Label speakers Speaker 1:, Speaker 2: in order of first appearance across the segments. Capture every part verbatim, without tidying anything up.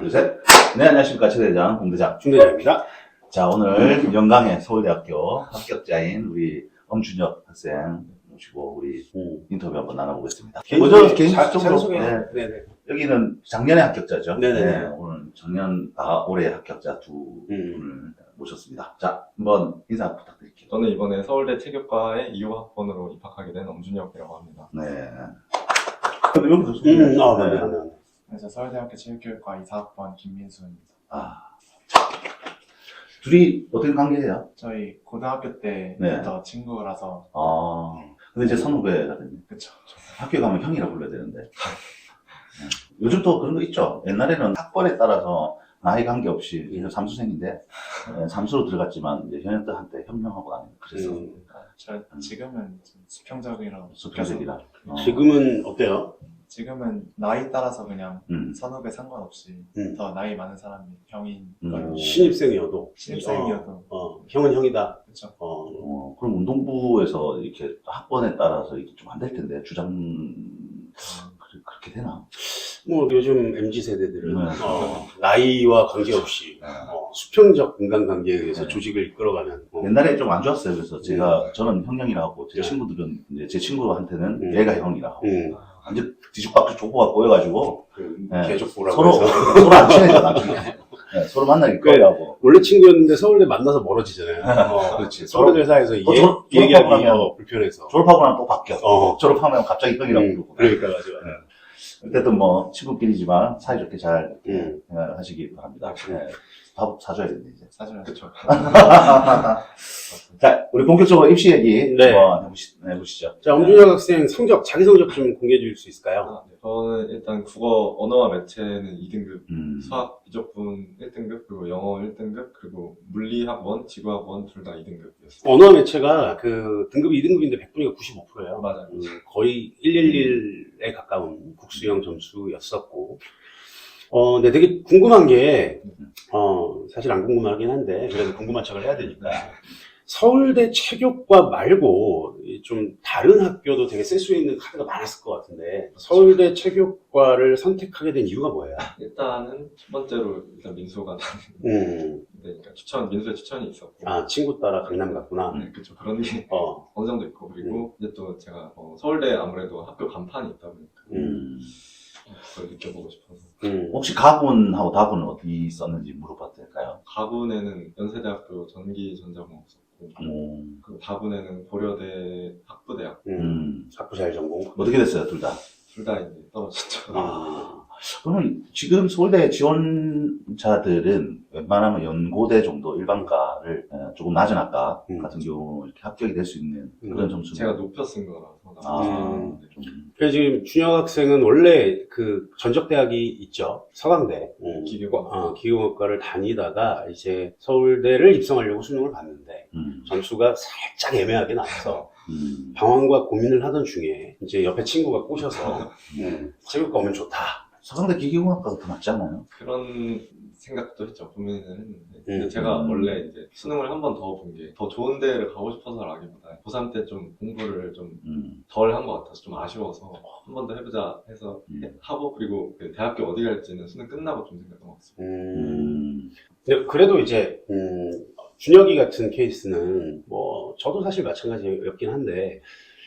Speaker 1: 둘, 셋. 네, 안녕하십니까. 최대장, 공대장.
Speaker 2: 중대장입니다.
Speaker 1: 자, 오늘 영광의 서울대학교 합격자인 우리 엄준혁 학생 모시고 우리
Speaker 2: 음.
Speaker 1: 인터뷰 한번 나눠보겠습니다.
Speaker 2: 개인
Speaker 1: 먼저
Speaker 2: 소개,
Speaker 1: 개인적으로,
Speaker 2: 소개.
Speaker 1: 네,
Speaker 2: 네네.
Speaker 1: 여기는 작년에 합격자죠.
Speaker 2: 네네.
Speaker 1: 네, 오늘 작년, 아, 올해 합격자 두
Speaker 2: 음.
Speaker 1: 분을 모셨습니다. 자, 한번 인사 부탁드릴게요.
Speaker 3: 저는 이번에 서울대 체육과에 이 호 학번으로 입학하게 된 엄준혁이라고 합니다.
Speaker 1: 네. 근데 여기도 소개.
Speaker 2: 음, 아,
Speaker 1: 네.
Speaker 2: 맞네, 맞네, 맞네.
Speaker 4: 그래서 서울대학교 체육교육과 이사 학번 김민수입니다.
Speaker 1: 아. 둘이 어떤 관계예요?
Speaker 4: 저희 고등학교 때부터 친구라서
Speaker 1: 아. 근데 이제 선후배가 됐네.
Speaker 4: 그쵸.
Speaker 1: 학교 가면 형이라 불러야 되는데. 네. 요즘 또 그런 거 있죠. 옛날에는 학번에 따라서 나이 관계없이, 이제 삼수생인데, 네, 삼수로 들어갔지만, 이제 현역들한테 형형하고 다니고 그래서.
Speaker 2: 음.
Speaker 4: 저 지금은 좀 수평적이라고
Speaker 1: 수평적이라. 어.
Speaker 2: 지금은 어때요?
Speaker 4: 지금은 나이 따라서 그냥
Speaker 1: 음.
Speaker 4: 선후배 상관없이
Speaker 2: 음.
Speaker 4: 더 나이 많은 사람이 형인
Speaker 1: 음.
Speaker 4: 거예요.
Speaker 2: 신입생이어도.
Speaker 4: 신입생이어도
Speaker 2: 어, 어, 형은 형이다.
Speaker 4: 그쵸.
Speaker 2: 어,
Speaker 1: 어, 그럼 운동부에서 이렇게 학번에 따라서 이게 좀 안 될 텐데, 주장, 그- 그렇게 되나?
Speaker 2: 뭐 요즘 엠지 세대들은
Speaker 1: 네.
Speaker 2: 어, 나이와 관계없이
Speaker 1: 네.
Speaker 2: 어, 수평적 인간관계에 의해서
Speaker 1: 네.
Speaker 2: 조직을 이끌어가는. 어.
Speaker 1: 옛날에 좀 안 좋았어요. 그래서 제가,
Speaker 2: 음.
Speaker 1: 저는 형형이라 하고, 제
Speaker 2: 네.
Speaker 1: 친구들은, 이제 제 친구한테는
Speaker 2: 음.
Speaker 1: 얘가 형이라 하고,
Speaker 2: 음,
Speaker 1: 완전 뒤죽박죽 족보가 꼬여가지고,
Speaker 2: 그
Speaker 1: 네.
Speaker 2: 개족보라고
Speaker 1: 서로,
Speaker 2: 해서.
Speaker 1: 서로 안 친해져, 나중에. 네, 서로 만나기
Speaker 2: 그래.
Speaker 1: 꺼려하고.
Speaker 2: 원래 친구였는데 서울대 만나서 멀어지잖아요. 어,
Speaker 1: 그렇지.
Speaker 2: 서울대 회사에서
Speaker 1: 또
Speaker 2: 얘,
Speaker 1: 졸-
Speaker 2: 얘기하기
Speaker 1: 졸업하고 나면-
Speaker 2: 어, 불편해서.
Speaker 1: 졸업하고 나면 또 바뀌어.
Speaker 2: 어.
Speaker 1: 졸업하면 갑자기 형이라고
Speaker 2: 음,
Speaker 1: 부르고.
Speaker 2: 그러니까 맞아. 맞아.
Speaker 1: 어쨌든 뭐, 친구끼리지만 사이좋게 잘
Speaker 2: 음.
Speaker 1: 생각하시기 바랍니다. 네. 밥 사줘야 되는데, 이제.
Speaker 4: 사실은 그쵸.
Speaker 1: 자, 우리 본격적으로 입시 얘기
Speaker 2: 네.
Speaker 1: 한번 해보시, 해보시죠.
Speaker 2: 자, 엄준혁 학생 성적, 자기 성적 좀 공개해 줄 수 있을까요?
Speaker 3: 아, 네. 저는 일단 국어 언어와 매체는 이 등급,
Speaker 1: 음.
Speaker 3: 수학 이적분 일 등급, 그리고 영어 일 등급, 그리고 물리학원, 지구학원 둘 다 이 등급이었어요.
Speaker 2: 언어 매체가 그 등급이 이 등급인데 백 분위가 구십오 퍼센트예요.
Speaker 3: 맞아요.
Speaker 2: 음, 거의 일일일에 가까운 국수형 점수였었고. 어, 근데 되게 궁금한 게, 어, 사실 안 궁금하긴 한데, 그래도 궁금한 척을 해야 되니까. 서울대 체육과 말고, 이좀 다른 학교도 되게 쓸 수 있는 카드가 많았을 것 같은데, 서울대 체육과를 선택하게 된 이유가 뭐예요?
Speaker 3: 일단은 첫 번째로 일단 민수가
Speaker 2: 음,
Speaker 3: 나는데, 그러니까 추천, 민수의 추천이 있었고.
Speaker 2: 아, 친구 따라 강남 갔구나.
Speaker 3: 네, 그쵸. 그런 게
Speaker 2: 어,
Speaker 3: 어느 정도 있고, 그리고 이제 또 제가 어, 서울대 아무래도 학교 간판이 있다 보니까
Speaker 1: 음.
Speaker 3: 그걸 느껴보고 싶어서.
Speaker 2: 음.
Speaker 1: 혹시 가군하고 다군은 어디 있었는지 물어봐도 될까요?
Speaker 3: 가군에는 연세대학교 전기전자공학 썼고,
Speaker 1: 음.
Speaker 3: 그리고 다군에는 고려대 학부대학.
Speaker 2: 음,
Speaker 1: 음.
Speaker 2: 학부자일 전공.
Speaker 1: 어떻게 됐어요, 둘 다?
Speaker 3: 둘 다 이제 떨어졌죠.
Speaker 2: 아,
Speaker 1: 그러면 지금 서울대 지원자들은 웬만하면 연고대 정도 일반과를 어, 조금 낮은 학과
Speaker 2: 음.
Speaker 1: 같은 경우 이렇게 합격이 될 수 있는 그런
Speaker 2: 음.
Speaker 1: 점수.
Speaker 3: 제가 높여 쓴 거라서.
Speaker 1: 아,
Speaker 2: 음.
Speaker 1: 좀.
Speaker 2: 그래서 지금 준혁 학생은 원래 그 전적대학이 있죠. 서강대. 음,
Speaker 3: 기계공학.
Speaker 2: 어, 기계공학과를 다니다가 이제 서울대를 입성하려고 수능을 봤는데
Speaker 1: 음.
Speaker 2: 점수가 살짝 애매하게 나와서
Speaker 1: 음.
Speaker 2: 방황과 고민을 하던 중에 이제 옆에 친구가 꼬셔서 음, 체육과 오면 좋다.
Speaker 1: 서강대 기계공학과가 더 낫지 않아요?
Speaker 3: 그런 생각도 했죠. 고민을 했는데. 근데
Speaker 2: 음.
Speaker 3: 제가
Speaker 1: 음.
Speaker 3: 원래 이제 수능을 한 번 더 본 게 더 좋은 데를 가고 싶어서라기보다 고삼 때 좀 공부를 좀
Speaker 1: 음.
Speaker 3: 덜 한 것 같아서 좀 아쉬워서 한 번 더 해보자 해서
Speaker 1: 음.
Speaker 3: 하고, 그리고 그 대학교 어디 갈지는 수능 끝나고 좀 생각한 것 같습니다.
Speaker 2: 음,
Speaker 1: 음.
Speaker 2: 근데 그래도 이제 음, 준혁이 같은 케이스는 뭐 저도 사실 마찬가지였긴 한데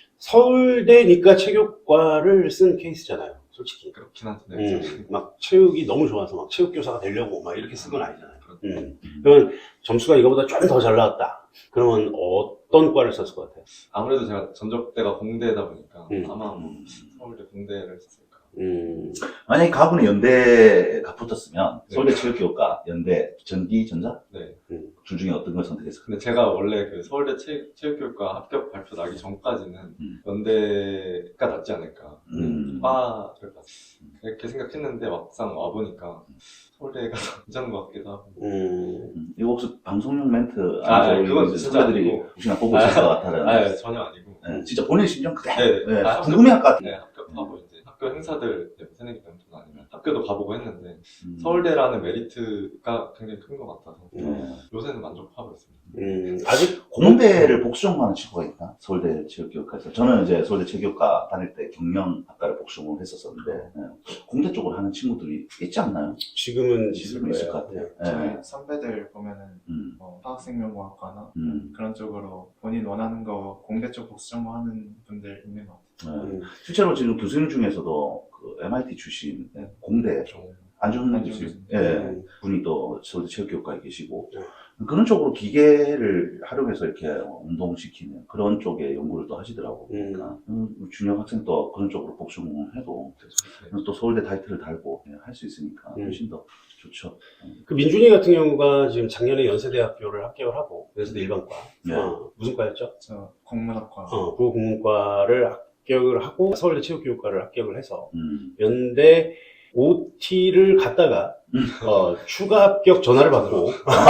Speaker 2: 서울대니까 체육과를 쓴 케이스잖아요. 솔직히.
Speaker 3: 그렇긴 한데.
Speaker 2: 음, 막 체육이 너무 좋아서 막 체육교사가 되려고 막 이렇게 쓴 건 아니잖아요.
Speaker 3: 그렇죠.
Speaker 2: 음. 그러면 점수가 이거보다 좀 더 잘 나왔다. 그러면 어떤 과를 썼을 것 같아요?
Speaker 3: 아무래도 제가 전적대가 공대다 보니까
Speaker 2: 음.
Speaker 3: 아마 뭐 서울대 공대를 썼을까.
Speaker 2: 음,
Speaker 1: 만약에 가군에 연대가 붙었으면
Speaker 3: 네.
Speaker 1: 서울대 체육교육과, 연대, 전기전자
Speaker 3: 네.
Speaker 1: 둘 중에 어떤 걸 선택했을까요?
Speaker 3: 근데 제가 원래 그 서울대 체, 체육교육과 합격 발표 나기 전까지는
Speaker 1: 음.
Speaker 3: 연대가 낫지 않을까.
Speaker 1: 음.
Speaker 3: 과를 봤 그렇게 생각했는데 막상 와보니까 서울대가 더 괜찮은 것 같기도 하고.
Speaker 2: 음,
Speaker 1: 음. 이거 혹시 방송용 멘트
Speaker 3: 아,
Speaker 1: 아니죠?
Speaker 3: 아니, 그건
Speaker 1: 이제
Speaker 3: 진짜
Speaker 1: 선배들이
Speaker 3: 아니고.
Speaker 1: 혹시나 보고 있을 것 같다는.
Speaker 3: 아, 전혀 아니고.
Speaker 1: 네, 진짜 본인 심정 그대로
Speaker 3: 네, 네.
Speaker 1: 네,
Speaker 3: 아,
Speaker 1: 궁금해할 것 같아요.
Speaker 3: 네, 합격하고 이제 학교 행사들, 뭐 새내기 병투나 아니면 학교도 가보고 했는데
Speaker 1: 음.
Speaker 3: 서울대라는 메리트가 굉장히 큰 것 같아서
Speaker 1: 네.
Speaker 3: 요새는 만족하고 있습니다.
Speaker 2: 음, 아직
Speaker 1: 공대를 복수 전공하는 친구가 있나? 서울대 체육교육과에서. 저는 이제 서울대 체육교육과 다닐 때 경영학과를 복수 전공을 했었었는데 예. 공대 쪽으로 하는 친구들이 있지 않나요?
Speaker 2: 지금은 있을
Speaker 1: 지금은 있을 것
Speaker 2: 거예요.
Speaker 1: 같아요. 예.
Speaker 4: 저희 선배들 보면은
Speaker 1: 음.
Speaker 4: 뭐 화학생명공학과나
Speaker 1: 음.
Speaker 4: 그런 쪽으로 본인 원하는 거 공대 쪽 복수 전공하는 분들 있는 것 같아요.
Speaker 1: 예.
Speaker 2: 음.
Speaker 1: 실제로 지금 교수님 중에서도 그 엠아이티 출신
Speaker 4: 네.
Speaker 1: 공대 안준
Speaker 4: 안준
Speaker 1: 교수님
Speaker 4: 교수님.
Speaker 1: 예.
Speaker 2: 음.
Speaker 1: 분이 또 서울대 체육교육과에 계시고
Speaker 2: 네.
Speaker 1: 그런 쪽으로 기계를 활용해서 이렇게 운동시키는 그런 쪽에 연구를 또 하시더라고요.
Speaker 2: 음.
Speaker 1: 그러니까 음, 준영 학생도 그런 쪽으로 복수 전공해도 또 서울대 타이틀을 달고 할 수 있으니까
Speaker 2: 음.
Speaker 1: 훨씬 더 좋죠.
Speaker 2: 그 민준이 같은 경우가 지금 작년에 연세대학교를 합격을 하고 연세대 일반과
Speaker 1: 네.
Speaker 2: 어, 무슨 과였죠?
Speaker 4: 저 공문학과
Speaker 2: 어, 그 공문과를 합격을 하고 서울대 체육교육과를 합격을 해서
Speaker 1: 음.
Speaker 2: 연대 오티를 갔다가
Speaker 1: 음.
Speaker 2: 어, 추가 합격 전화를 받고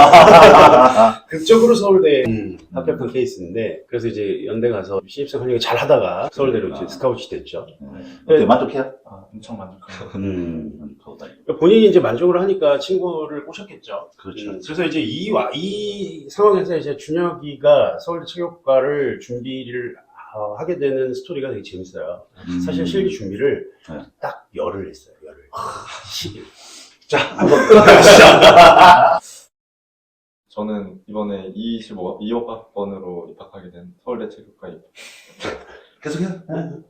Speaker 2: 극적으로 서울대 음, 합격한 케이스인데 그래서 이제 연대 가서 신입생 활용을 잘 하다가 서울대로 이제
Speaker 1: 그러니까.
Speaker 2: 스카우트이 됐죠.
Speaker 1: 네. 어때 만족해요?
Speaker 4: 아, 엄청 만족합니다.
Speaker 2: 음.
Speaker 1: 만족하고 다니고.
Speaker 2: 그러니까 본인이 이제 만족을 하니까 친구를 꼬셨겠죠.
Speaker 1: 그렇죠.
Speaker 2: 음, 그래서 이제 이, 와, 이 상황에서 이제 준혁이가 서울대 체육과를 준비를 어, 하게 되는 스토리가 되게 재밌어요.
Speaker 1: 음.
Speaker 2: 사실 실기 준비를
Speaker 1: 네.
Speaker 2: 딱 열흘 했어요. 열흘. 십 일. 자, 한번 끊어가시죠.
Speaker 3: 저는 이번에 이십오, 이십오 학번으로 입학하게 된 서울대 체육과 입학.
Speaker 1: 계속해요. 네.